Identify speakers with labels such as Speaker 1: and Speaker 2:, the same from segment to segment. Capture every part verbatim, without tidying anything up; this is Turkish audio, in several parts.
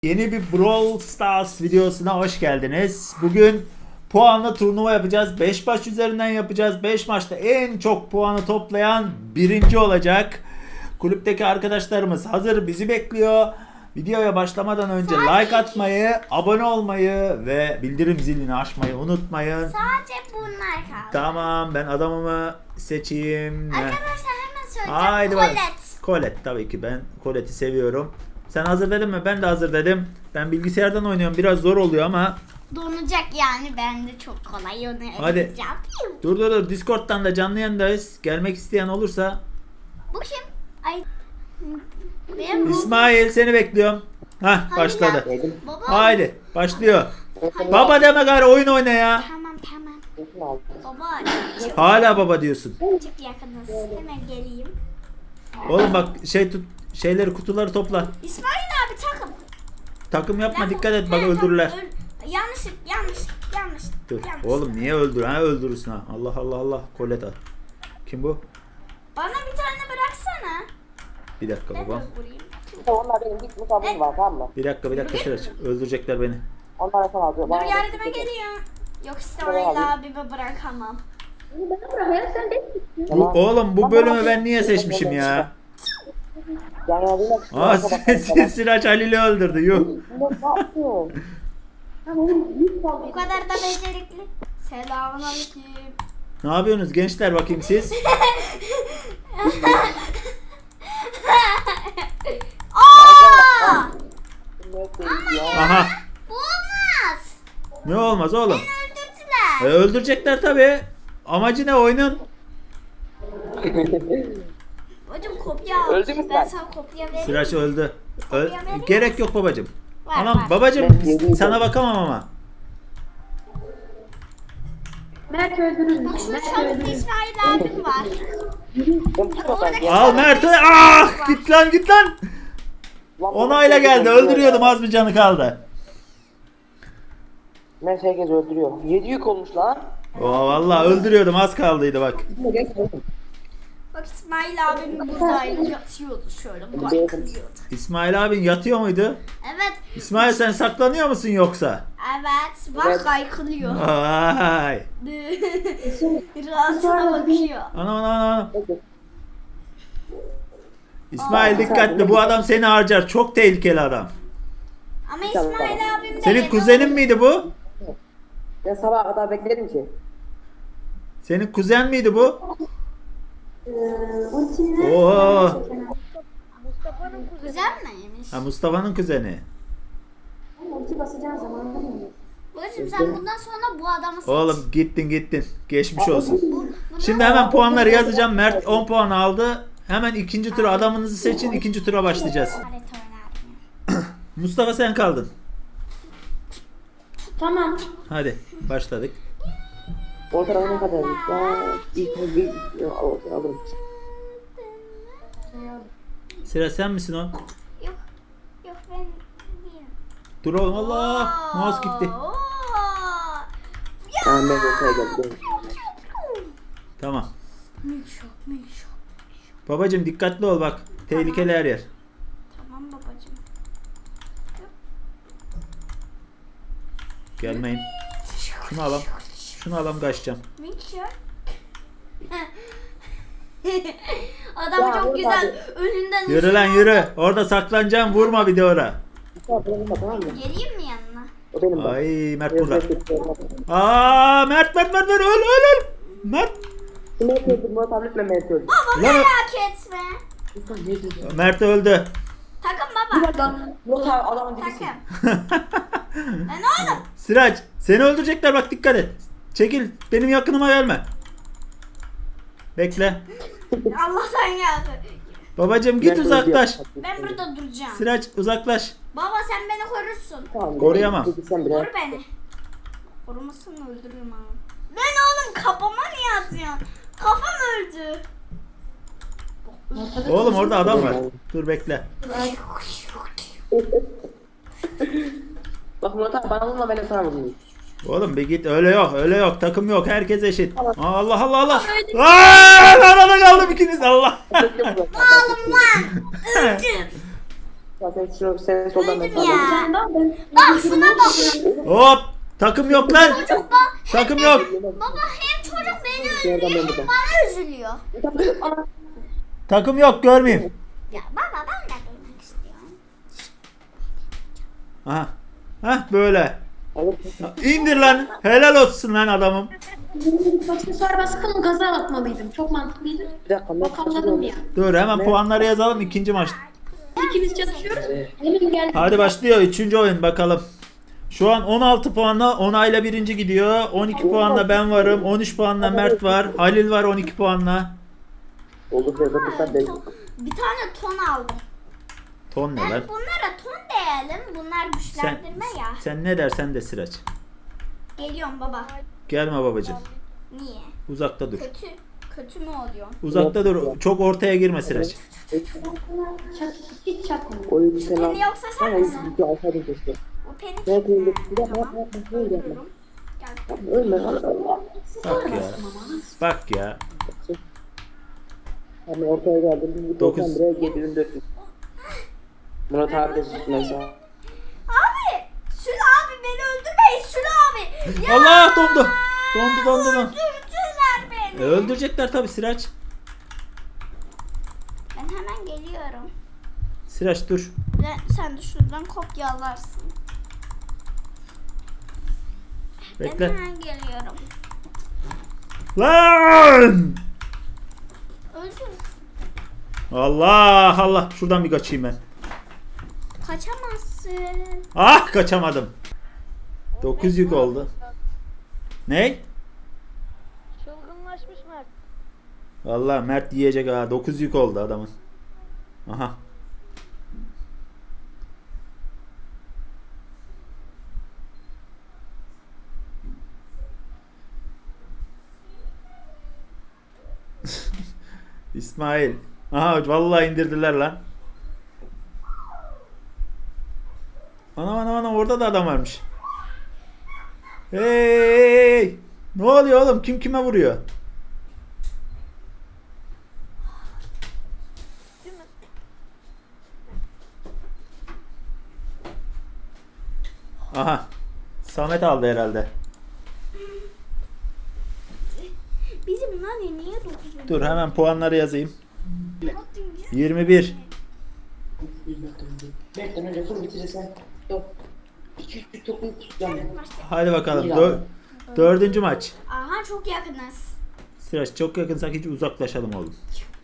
Speaker 1: Yeni bir Brawl Stars videosuna hoş geldiniz. Bugün puanlı turnuva yapacağız. beş maç üzerinden yapacağız. beş maçta en çok puanı toplayan birinci olacak. Kulüpteki arkadaşlarımız hazır, bizi bekliyor. Videoya başlamadan önce like atmayı, abone olmayı ve bildirim zilini açmayı unutmayın.
Speaker 2: Sadece bunlar kaldı.
Speaker 1: Tamam, ben adamımı seçeyim.
Speaker 2: Arkadaşlar hemen söyleyeceğim.
Speaker 1: Haydi bak.
Speaker 2: Colette.
Speaker 1: Colette tabii ki, ben Colette'i seviyorum. Sen hazır dedin mi? Ben de hazır dedim. Ben bilgisayardan oynuyorum. Biraz zor oluyor ama.
Speaker 2: Donacak yani, ben de çok kolay onu
Speaker 1: Hadi.
Speaker 2: öğreneceğim.
Speaker 1: Dur dur dur. Discord'dan da canlı yayındayız. Gelmek isteyen olursa.
Speaker 2: Bu kim? Ay. Benim bu.
Speaker 1: İsmail, seni bekliyorum. Hah,
Speaker 2: Hayır
Speaker 1: başladı.
Speaker 2: ya. Baba.
Speaker 1: Haydi başlıyor.
Speaker 2: Hayır.
Speaker 1: Baba deme gari, oyun oyna ya.
Speaker 2: Tamam tamam. Baba çık,
Speaker 1: Hala baba diyorsun.
Speaker 2: çık yakınız. Hemen geleyim.
Speaker 1: Oğlum bak, şey tut, şeyleri, kutuları topla.
Speaker 2: İsmail abi takım.
Speaker 1: Takım yapma,
Speaker 2: Ben-
Speaker 1: dikkat et, bak
Speaker 2: He,
Speaker 1: öldürürler.
Speaker 2: tamam, öl- Yanlışlık yanlış yanlış.
Speaker 1: Dur.
Speaker 2: yanlış.
Speaker 1: Oğlum niye öldür? Ha öldürürsün ha. Allah Allah Allah. Colette al. Kim bu?
Speaker 2: Bana bir tane bıraksana.
Speaker 1: Bir dakika
Speaker 2: Ben de
Speaker 1: babam.
Speaker 2: vurayım.
Speaker 3: Onlar benim gitmiş abim var, tamam mı?
Speaker 1: Bir dakika bir dakika Sıraç. Öldürecekler beni.
Speaker 3: Onlara sana alıyor.
Speaker 2: Dur yardıma geliyorum. Yok İsmail abimi bırakamam.
Speaker 1: Bu, oğlum bu bölümü ben niye seçmişim ya?
Speaker 3: Yani yardıma
Speaker 1: Aa Sıraç Halil'i öldürdü. Yuh.
Speaker 3: Ne yapıyorsun?
Speaker 2: Bu kadar da becerikli. Selamünaleyküm.
Speaker 1: Ne yapıyorsunuz gençler, bakayım siz?
Speaker 2: Aa!
Speaker 1: Aha.
Speaker 2: Bu olmaz.
Speaker 1: Ne olmaz oğlum?
Speaker 2: Öldürdüler.
Speaker 1: E, öldürecekler tabi. Amacı ne oyunun?
Speaker 2: Hocam kopya al.
Speaker 3: Öldü mü
Speaker 2: Ben
Speaker 3: sen?
Speaker 2: sana kopya vereyim.
Speaker 1: Sıraç öldü. Ö-
Speaker 2: Kopya verir
Speaker 1: gerek yok babacım.
Speaker 2: Var,
Speaker 1: Anam
Speaker 2: var.
Speaker 1: babacım,
Speaker 3: Ben geleyim.
Speaker 1: sana bakamam ama.
Speaker 4: Mert öldürür
Speaker 2: Bak
Speaker 4: müsün?
Speaker 2: şu
Speaker 4: Mert
Speaker 2: çabuk
Speaker 4: öldürür.
Speaker 2: İsmail abim var.
Speaker 1: Al Mert. Ah, git lan git lan. Onayla geldi. Öldürüyordum, az bir canı kaldı.
Speaker 3: Mert herkes öldürüyor. Yedi yük olmuş lan.
Speaker 1: Oo vallahi öldürüyordum, az kaldıydı bak.
Speaker 2: Bak İsmail abim buradaydı. Yatıyordu şöyle. Bakıyordu.
Speaker 1: İsmail abin yatıyor muydu?
Speaker 2: Evet.
Speaker 1: İsmail sen saklanıyor musun yoksa?
Speaker 2: Evet. Bak kaykılıyor.
Speaker 1: Vay.
Speaker 2: Rahatına bakıyor.
Speaker 1: Anam anam anam. İsmail dikkatli, bu adam seni harcar. Çok tehlikeli adam.
Speaker 2: Ama İsmail abim de
Speaker 1: Senin
Speaker 2: yedi
Speaker 1: kuzenin
Speaker 2: oldu.
Speaker 1: miydi bu?
Speaker 3: Ben sabaha kadar beklerim ki.
Speaker 1: Senin kuzen miydi bu?
Speaker 4: Ee, ultimle
Speaker 1: Oo.
Speaker 2: Güzel miymiş?
Speaker 1: Ha, Mustafa'nın kuzeni.
Speaker 4: ulti basacağın zaman da mı?
Speaker 2: Babacım sen bundan sonra bu adamı seç.
Speaker 1: Oğlum gittin gittin. Geçmiş olsun.
Speaker 2: Bu- bundan
Speaker 1: Şimdi hemen puanları yazacağım. Mert on puan aldı. Hemen ikinci tura adamınızı seçin. İkinci tura başlayacağız.
Speaker 2: sonra Alet oynardım.
Speaker 1: Mustafa sen kaldın.
Speaker 4: Tamam.
Speaker 1: Hadi başladık.
Speaker 3: O tarafa ne kadar? Ya ilk bir ya, o- alırım.
Speaker 1: Sıra sen misin o?
Speaker 2: Yok. Yok ben değilim.
Speaker 1: Dur oğlum, Allah. Mouse gitti.
Speaker 2: Oo.
Speaker 3: Tamam ben ortaya geldim.
Speaker 1: Tamam.
Speaker 2: Mişok mişok.
Speaker 1: Babacım dikkatli ol bak. Tehlikeli her yer.
Speaker 2: Tamam babacım.
Speaker 1: Gelmeyin. Şunu alalım. Şunu alalım, kaçacağım.
Speaker 2: Mişok. Adamı
Speaker 3: Ya,
Speaker 2: çok
Speaker 3: vur
Speaker 2: güzel önünden
Speaker 1: Yürü lan yürü. Orada saklanacağım. Vurma bir de ora.
Speaker 3: Tamam benim de, tamam mı?
Speaker 2: Geleyim mi yanına?
Speaker 3: O benim de.
Speaker 1: Ay Mert
Speaker 3: Biraz
Speaker 1: burada.
Speaker 3: bekleyelim.
Speaker 1: Aa Mert Mert Mert Mert öl öl öl. Mert.
Speaker 3: Mert öldü. Murat abi lütfen Mert öldü.
Speaker 2: Baba
Speaker 1: Lan-
Speaker 2: merak etme.
Speaker 3: Lütfen ne diyorsun?
Speaker 1: Mert öldü.
Speaker 2: Takım
Speaker 3: Bir
Speaker 2: baba.
Speaker 3: dakika. Murat abi adamın dibisin.
Speaker 2: Takım. Ben oğlum.
Speaker 1: Sıraç seni öldürecekler, bak dikkat et. Çekil, benim yakınıma gelme. Bekle.
Speaker 2: Allah'tan geldi.
Speaker 1: Babacım git
Speaker 3: Mert
Speaker 1: uzaklaş.
Speaker 3: öldü.
Speaker 2: Ben burada duracağım.
Speaker 1: Sıraç uzaklaş.
Speaker 2: Baba sen beni korursun.
Speaker 3: Tamam,
Speaker 1: Koruyamam.
Speaker 3: peki sen biraz.
Speaker 2: Koru beni. Korumasını öldürürüm abi. Ben oğlum kafama niye atıyorsun? Kafam öldü.
Speaker 1: Oğlum orada adam var. Dur bekle.
Speaker 3: Bak Murat abi bana vurma, ben de sana vurayım.
Speaker 1: Oğlum bir git, öyle yok öyle yok, takım yok, herkes eşit. Aa, Allah Allah Allah. Aaa, arada kaldım ikiniz, Allah.
Speaker 3: Bekle Murat abi.
Speaker 2: Oğlum lan. Öldüm.
Speaker 3: Sen şu sen soldan ben
Speaker 2: Öldüm
Speaker 3: sağdan.
Speaker 2: ya.
Speaker 4: Sen daha ben.
Speaker 2: Bak şuna bak.
Speaker 1: Hop! Takım yok lan.
Speaker 2: Çocuk bak.
Speaker 1: Takım yok.
Speaker 2: Baba hem çocuk beni
Speaker 3: Yerden
Speaker 2: öldürüyor
Speaker 3: ben
Speaker 2: hem
Speaker 3: buradan.
Speaker 2: bana üzülüyor.
Speaker 1: Takım yok, görmeyeyim.
Speaker 2: Ya baba ben de duymak istiyorum.
Speaker 1: Aha. Hah böyle.
Speaker 3: Alıp
Speaker 1: İndir lan. Helal olsun lan adamım.
Speaker 4: Aksesuar baskımı gaza atmalıydım. Çok mantıklıydı.
Speaker 3: bir dakika. Mert
Speaker 4: Bakalım ya.
Speaker 1: Dur hemen puanları yazalım ikinci maç.
Speaker 4: İkimiz çalışıyoruz. Benim geldi.
Speaker 1: Hadi başlıyor üçüncü oyun bakalım. Şu an on altı puanla Onay'la birinci gidiyor. on iki puanla ben varım. on üç puanla Mert var. Halil var on iki puanla.
Speaker 3: Olur be bakırsan değil.
Speaker 2: Bir tane ton aldım.
Speaker 1: Ton ne
Speaker 2: Ben
Speaker 1: lan?
Speaker 2: bunlara ton diyelim. Bunlar
Speaker 1: Sen,
Speaker 2: güçlendirme ya.
Speaker 1: sen ne dersen de Sıraç.
Speaker 2: Geliyorum baba.
Speaker 1: Gelme babacığım.
Speaker 2: Niye?
Speaker 1: Uzakta dur.
Speaker 2: Kötü. Kötü mü oluyorsun?
Speaker 1: Uzakta dur. Çok ortaya girme Sıraç.
Speaker 4: Çat, hiç çakmıyor.
Speaker 3: Oyun sen al.
Speaker 2: Beni yoksa sen
Speaker 3: Sen
Speaker 2: misin?
Speaker 3: oyun bir alsaydın keşke.
Speaker 2: O penik.
Speaker 3: Evet, evet.
Speaker 2: Ha,
Speaker 3: Bir dakika,
Speaker 2: tamam.
Speaker 3: yapma, yapma, öyle yapma.
Speaker 2: Ölüyorum. Gel.
Speaker 3: Ölme lan.
Speaker 1: Bak ya. Bak ya.
Speaker 3: Hani ortaya geldim. Bir
Speaker 1: Dokuz.
Speaker 3: doksan liraya yedi bin dört yüz. Murat abi de mesela.
Speaker 2: Abi! Sül abi beni öldürmeyin Sül abi! Ya!
Speaker 1: Allah dondu. Dondu dondu dondu.
Speaker 2: Öldürdüler beni.
Speaker 1: E, öldürecekler tabi Sıraç.
Speaker 2: Ben hemen geliyorum.
Speaker 1: Sıraç dur.
Speaker 2: Ve sen de şuradan kopyalarsın. Ben
Speaker 1: Bekle.
Speaker 2: hemen geliyorum.
Speaker 1: Lan!
Speaker 2: Öldüm.
Speaker 1: Allah Allah. Şuradan bir kaçayım ben.
Speaker 2: Kaçamazsın.
Speaker 1: Ah kaçamadım. dokuz yük oldu. Ne?
Speaker 5: Çılgınlaşmış Mert.
Speaker 1: Vallahi Mert yiyecek ha. dokuz yük oldu adamın. Aha. İsmail. Aha vallahi indirdiler lan. Ana ana ana orada da adam varmış. Hey! Ne oluyor oğlum? Kim kime vuruyor? Aha. Samet aldı herhalde.
Speaker 2: Bizim nane niye dokuz?
Speaker 1: Dur hemen puanları yazayım. yirmi bir.
Speaker 3: Bekle önce full bitirirsen. Yok. iki üç topu tutacağım.
Speaker 1: Hadi bakalım. Dö- dördüncü maç.
Speaker 2: Aha çok yakınız.
Speaker 1: Sıraç çok yakınsak hiç uzaklaşalım oğlum.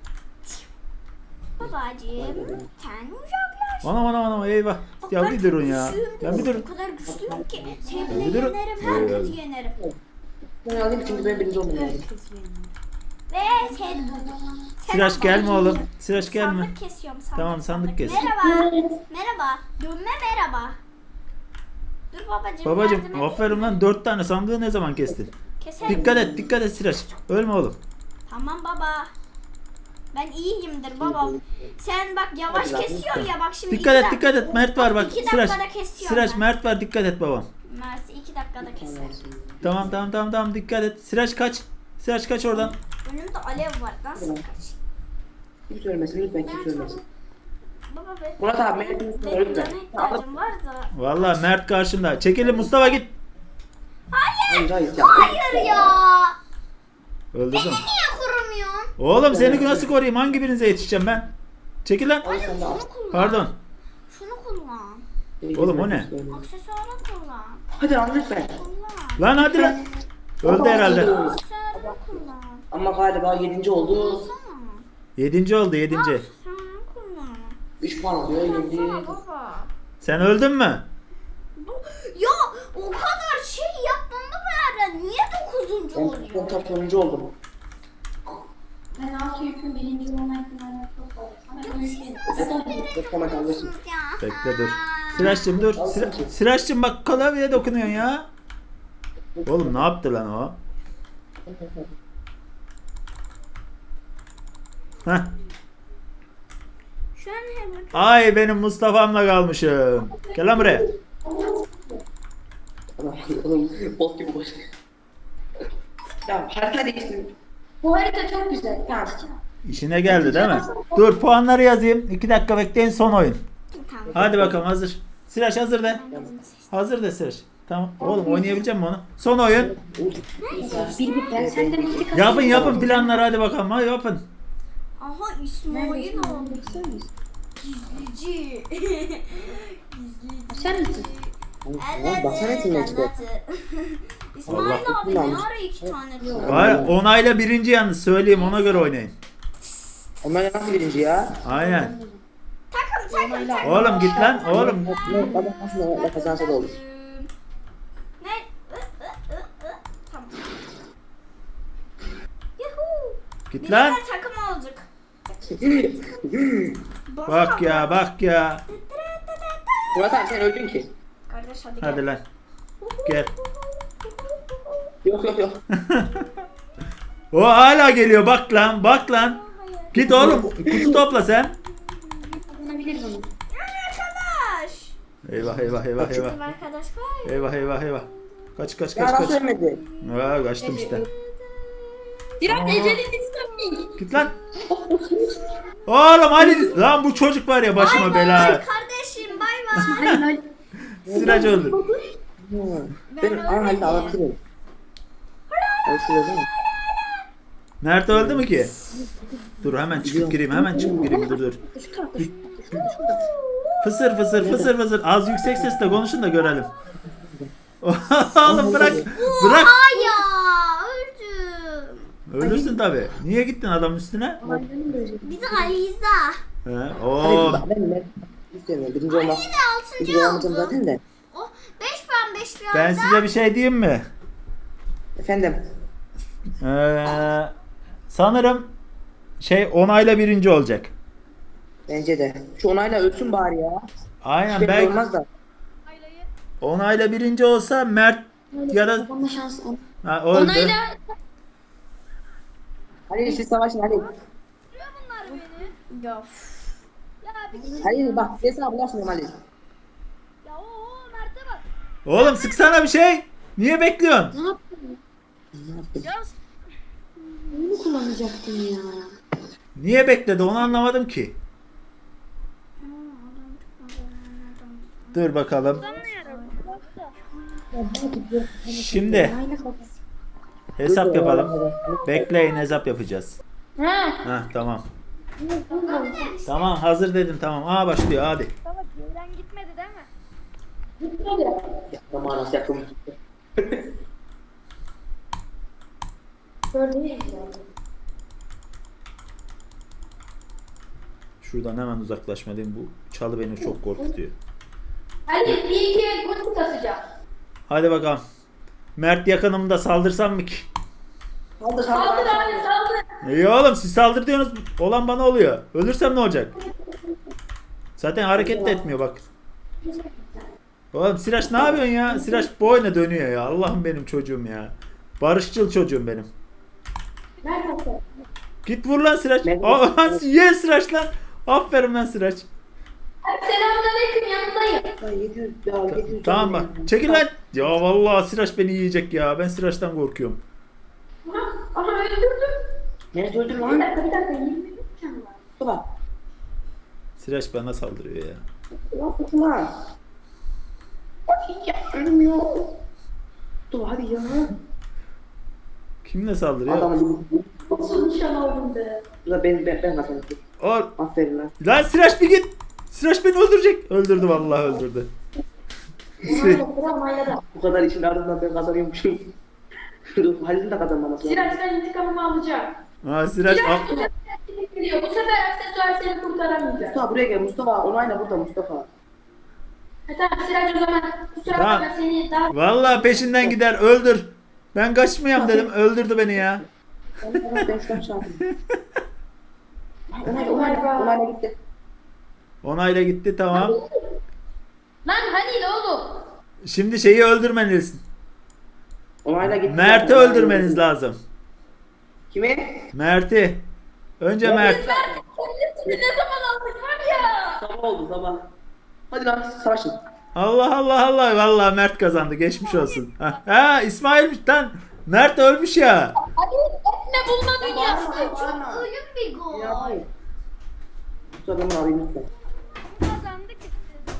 Speaker 2: Babacığım sen uzaklaş.
Speaker 1: Anam anam anam eyvah.
Speaker 2: Bak
Speaker 1: Ya
Speaker 2: ben
Speaker 1: bir durun
Speaker 2: çok
Speaker 1: ya.
Speaker 2: güçlüyüm
Speaker 1: Ya bir
Speaker 2: diyorum.
Speaker 1: durun.
Speaker 2: O kadar güçlüyüm ki seni
Speaker 1: Bir
Speaker 2: bile
Speaker 1: durun.
Speaker 2: yenerim,
Speaker 1: Evet.
Speaker 2: herkesi yenerim.
Speaker 3: Ben alayım çünkü ben birinci olmayayım.
Speaker 2: Herkesi yenerim. Ve sen... sen
Speaker 1: Sıraç
Speaker 2: bak,
Speaker 1: gelme
Speaker 2: babacığım.
Speaker 1: oğlum. Sıraç gelme.
Speaker 2: Sandık kesiyorum sandık.
Speaker 1: Tamam, sandık kes.
Speaker 2: Merhaba. Merhaba. Dönme merhaba. Dur babacığım.
Speaker 1: Babacım
Speaker 2: yardım edeyim
Speaker 1: aferin
Speaker 2: mi?
Speaker 1: lan dört tane sandığı ne zaman kestin?
Speaker 2: Keserim.
Speaker 1: Dikkat et dikkat et Sıraç. Ölme oğlum.
Speaker 2: Tamam baba. Ben iyiyimdir baba. Sen bak yavaş kesiyorsun ya bak şimdi.
Speaker 1: Dikkat
Speaker 2: iki
Speaker 1: et
Speaker 2: dak-
Speaker 1: dikkat et Mert var bak.
Speaker 2: İki
Speaker 1: Sıraç.
Speaker 2: dakikada kesiyorum
Speaker 1: Sıraç
Speaker 2: ben.
Speaker 1: Mert var dikkat et babam.
Speaker 2: Mersi iki dakikada keser.
Speaker 1: Tamam tamam tamam tamam dikkat et. Sıraç kaç. Sıraç kaç oradan.
Speaker 2: Önümde alev var. Nasıl kaç?
Speaker 3: Kimse ölmesin lütfen
Speaker 2: Ben
Speaker 3: kimse
Speaker 2: çok...
Speaker 3: ölmesin.
Speaker 2: Baba be.
Speaker 3: Murat abi Mert'in üstüne
Speaker 2: Benim
Speaker 3: lütfen.
Speaker 2: cana ihtiyacım var da.
Speaker 1: Vallahi Mert karşında. Çekilin Mustafa git.
Speaker 3: Hayır hayır ya.
Speaker 2: Hayır ya.
Speaker 1: Öldürdüm.
Speaker 2: Niye kurumuyorsun?
Speaker 1: Oğlum seni nasıl koruyayım? Hangi birinize yetişeceğim ben? Çekil lan.
Speaker 3: Al sen de al.
Speaker 2: Şunu kullan.
Speaker 1: Pardon.
Speaker 2: Şunu kullan.
Speaker 1: Oğlum, o ne?
Speaker 2: Aksesuarı kullan.
Speaker 3: Hadi lan lütfen.
Speaker 2: Kullan.
Speaker 1: Lan hadi lan. Öldü herhalde.
Speaker 2: Aksesuarı kullan.
Speaker 3: Ama galiba yedinci oldu.
Speaker 2: Kullan.
Speaker 1: Yedinci oldu yedinci.
Speaker 2: Aksesuarı kullan.
Speaker 3: üç puan oluyor yedi.
Speaker 2: Kullansana baba.
Speaker 1: Sen öldün mü?
Speaker 2: Bu- Ya o kadar şey yapmamı beraber niye dokuzuncu
Speaker 3: Ben
Speaker 2: oluyor?
Speaker 3: ben tam sonuncu oldum.
Speaker 4: Ben altı yükün birinci olma ihtimali çok fazla. Sana
Speaker 2: Ya
Speaker 4: öyle
Speaker 2: siz
Speaker 4: şey.
Speaker 2: nasıl birinci
Speaker 3: Beklemek
Speaker 2: oluyorsunuz
Speaker 3: alırsın.
Speaker 2: ya?
Speaker 1: Bekle dur. Sıraç'cığım dur. Sıra, Sıraç'cığım bak klavyeye dokunuyorsun ya. Oğlum ne yaptı lan o? Heh.
Speaker 2: Şu an hemen
Speaker 1: Ay benim Mustafa'mla kalmışım. Gel lan buraya.
Speaker 3: Oğlum bot gibi boş. Ya harita değiştirdim.
Speaker 4: Bu harita çok güzel.
Speaker 3: Ya
Speaker 1: İşine geldi değil mi? Dur puanları yazayım. iki dakika bekleyin son oyun.
Speaker 2: Tamam.
Speaker 1: Hadi bakalım hazır. Sıraç hazır de. Hazır de Sıraç. Tamam. Oğlum oynayabilecek misin onu? Son oyun.
Speaker 3: Bir bir
Speaker 4: Ben senden intikam
Speaker 1: Yapın yapın planları hadi bakalım. Hadi yapın.
Speaker 2: Aha İsmail oldu. Gizlici. Gizlici.
Speaker 4: Sen misin?
Speaker 3: Lan baksana etimden çıkıyor.
Speaker 2: İsmail
Speaker 3: Allah
Speaker 2: abi ne
Speaker 3: kullanmış.
Speaker 2: ara iki tane diyor.
Speaker 1: Var onayla birinci yalnız söyleyeyim ona göre oynayın.
Speaker 3: Onlar nasıl birinci ya?
Speaker 1: Aynen.
Speaker 2: Takım takım takım.
Speaker 1: Oğlum git lan oğlum.
Speaker 3: Adam nasıl onlarla kazansa da olur.
Speaker 2: Ne? Ü, ı, ı, ı. Tamam. Yuhuu.
Speaker 1: Git
Speaker 2: Biz
Speaker 1: lan.
Speaker 2: de takım olduk. Bas
Speaker 1: Bak
Speaker 2: abi.
Speaker 1: ya bak ya.
Speaker 3: Murat abi sen öldün ki.
Speaker 2: Kardeş hadi,
Speaker 1: Hadi
Speaker 2: gel.
Speaker 1: lan. Gel.
Speaker 3: Yok yok yok.
Speaker 1: O hala geliyor bak lan bak lan. Git oğlum kutu topla sen.
Speaker 4: kazanabilir bunu.
Speaker 2: Arkadaş.
Speaker 1: Eyvah eyvah eyvah eyvah.
Speaker 2: Bizim arkadaş var ya.
Speaker 1: Eyvah eyvah eyvah. Kaç kaç
Speaker 3: Ya
Speaker 1: kaç
Speaker 3: nasıl
Speaker 1: kaç.
Speaker 3: ölmedi?
Speaker 1: Aa, kaçtım işte.
Speaker 4: Diren Ece'nin istemeyik.
Speaker 1: Git lan. Oğlum hadi. Lan bu çocuk var ya başıma
Speaker 2: Bay
Speaker 1: bela.
Speaker 2: bay kardeşim bay bay.
Speaker 4: Hayır hayır.
Speaker 1: Sıraç öldü.
Speaker 3: Ben an halde alabilirim. Öyle şey değil mi?
Speaker 1: Nerede öldü mü ki? Dur hemen çıkıp gireyim hemen çıkıp gireyim dur dur.
Speaker 4: Şu tarafta şu tarafta. Şurada şurada.
Speaker 1: Fısır fısır fısır fısır. Az yüksek sesle konuşun da görelim. Oğlum bırak. Bırak.
Speaker 2: Ay ya öldüm.
Speaker 1: Ölürsün tabi. Niye gittin adamın üstüne?
Speaker 4: Aynen böyle.
Speaker 2: Bir de Aliza.
Speaker 1: He. Oo.
Speaker 3: Hadi ben ben istemiyorum. Birinci olmak.
Speaker 2: Yine altıncı
Speaker 3: Birinci olamayacağım
Speaker 2: oldu.
Speaker 3: zaten de.
Speaker 2: Oh, beş puan beş puan.
Speaker 1: Ben size bir şey diyeyim mi?
Speaker 3: Efendim.
Speaker 1: Ee, sanırım şey onayla birinci olacak.
Speaker 3: Bence de. Şu onayla ölsün bari ya.
Speaker 1: Aynen
Speaker 3: Belki
Speaker 1: belki
Speaker 3: olmaz da.
Speaker 1: onayla birinci olsa Mert ya da
Speaker 4: Babamla şans on.
Speaker 1: ha, öldü.
Speaker 4: Onayla.
Speaker 3: Hadi siz savaşın hadi.
Speaker 2: Ya.
Speaker 3: Hadi bak hesabı yapmıyorum hadi.
Speaker 1: Oğlum sıksana bir şey. Niye bekliyorsun?
Speaker 4: Ne yaptın?
Speaker 3: Ne yaptım?
Speaker 4: Bunu kullanacaktın ya.
Speaker 1: Niye bekledi onu anlamadım ki. Dur bakalım. Şimdi
Speaker 4: Onayla kafası.
Speaker 1: hesap yapalım. Bekleyin hesap yapacağız.
Speaker 4: Ha.
Speaker 1: Heh tamam. Tamam hazır dedim tamam. Aa başlıyor hadi.
Speaker 5: Baba gevren gitmedi değil mi?
Speaker 3: Yapma nasıl yaptım?
Speaker 4: Böyle
Speaker 1: Şuradan hemen uzaklaşmalıyım. Bu çalı beni çok korkutuyor.
Speaker 4: Hadi bir iki gol kasacağım.
Speaker 1: Hadi bakalım. Mert yakınımda saldırsam mı ki?
Speaker 3: Saldır
Speaker 4: Saldır
Speaker 3: saldır.
Speaker 4: abi saldır.
Speaker 1: İyi oğlum siz saldır diyorsunuz. Olan bana oluyor. Ölürsem ne olacak? Zaten hareket de etmiyor bak. Oğlum Siraç ne yapıyorsun ya? Siraç boyuna dönüyor ya. Allah'ım benim çocuğum ya. Barışçıl çocuğum benim.
Speaker 4: Nerede?
Speaker 1: Git vur lan Siraç.
Speaker 3: Ben-
Speaker 1: Aa, ye Siraç lan. Aferin lan Siraç.
Speaker 4: Selamünaleyküm yanındayım.
Speaker 3: Ya yedi yüz ya yedi yüz.
Speaker 1: Tamam bak. Çekil lan. Ya vallahi Siraç beni yiyecek ya. Ben Siraç'tan korkuyorum.
Speaker 4: Aha, aha öldürdüm.
Speaker 3: Nerede öldün
Speaker 4: Bir
Speaker 3: lan?
Speaker 4: dakika bir dakika yirmi üç canı var.
Speaker 3: Baba.
Speaker 1: Siraç bana saldırıyor ya.
Speaker 3: Yapma lan. Hiç ölmüyor. Dur hadi ya.
Speaker 1: Kimle saldırıyor?
Speaker 3: Adamı
Speaker 4: Nasıl nişan aldım be.
Speaker 3: Bu da ben ben ben kazandım.
Speaker 1: Or
Speaker 3: Aferin lan.
Speaker 1: lan Siraç bir git. Siraç beni öldürecek. Öldürdü vallahi öldürdü. Si-
Speaker 4: Onayla sıra onayladı.
Speaker 3: Bu kadar işin ardından ben kazanıyormuşum. Dur Halil'in de kazanmaması lazım.
Speaker 4: Sirac ben intikamımı alacağım.
Speaker 1: Ha Siraç
Speaker 4: Sirac
Speaker 1: al.
Speaker 4: bu sefer gidiyor. Bu sefer aksesuar seni kurtaramayacak.
Speaker 3: Mustafa buraya gel Mustafa. Onayla burada Mustafa.
Speaker 4: Ha, tamam Sirac o zaman kusura
Speaker 1: Tamam.
Speaker 4: bakma seni daha...
Speaker 1: Vallahi peşinden gider öldür. Ben kaçmayayım dedim öldürdü beni ya.
Speaker 3: Ben ben şu an çarptım. Onayla onayla onayla gitti.
Speaker 1: Onayla gitti tamam.
Speaker 4: Lan hani ne oğlum?
Speaker 1: Şimdi şeyi öldürmeniz.
Speaker 3: Onayla gitti.
Speaker 1: Mert'i öldürmeniz lazım.
Speaker 3: Kimi?
Speaker 1: Mert'i. Önce Mert.
Speaker 4: Seni ne zaman aldık var ya?
Speaker 3: Sabah oldu sabah. Hadi lan savaşın.
Speaker 1: Allah Allah Allah. Vallahi Mert kazandı. Geçmiş olsun. Ha, ha İsmail'miş lan. Mert ölmüş ya.
Speaker 4: Hadi etme bulma dünyası.
Speaker 2: Çok ölüm bir gol.
Speaker 3: Ya hayır. Şu adamı arayayım lütfen.
Speaker 5: Kazandık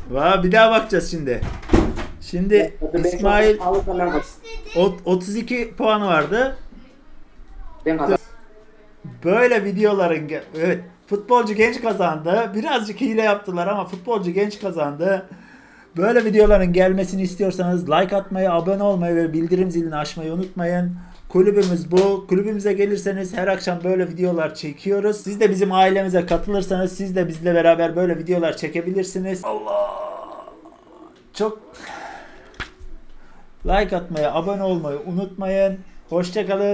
Speaker 1: Va bir daha bakacağız şimdi. Şimdi İsmail
Speaker 3: Alırsa ben kazanırım.
Speaker 1: ot- otuz iki puanı vardı.
Speaker 3: Ben kazanırım.
Speaker 1: Böyle videoların ge- evet futbolcu genç kazandı. Birazcık hile yaptılar ama futbolcu genç kazandı. Böyle videoların gelmesini istiyorsanız like atmayı, abone olmayı ve bildirim zilini açmayı unutmayın. Kulübümüz bu. Kulübümüze gelirseniz her akşam böyle videolar çekiyoruz. Siz de bizim ailemize katılırsanız siz de bizle beraber böyle videolar çekebilirsiniz. Allah! Çok like atmayı, abone olmayı unutmayın. Hoşça kalın.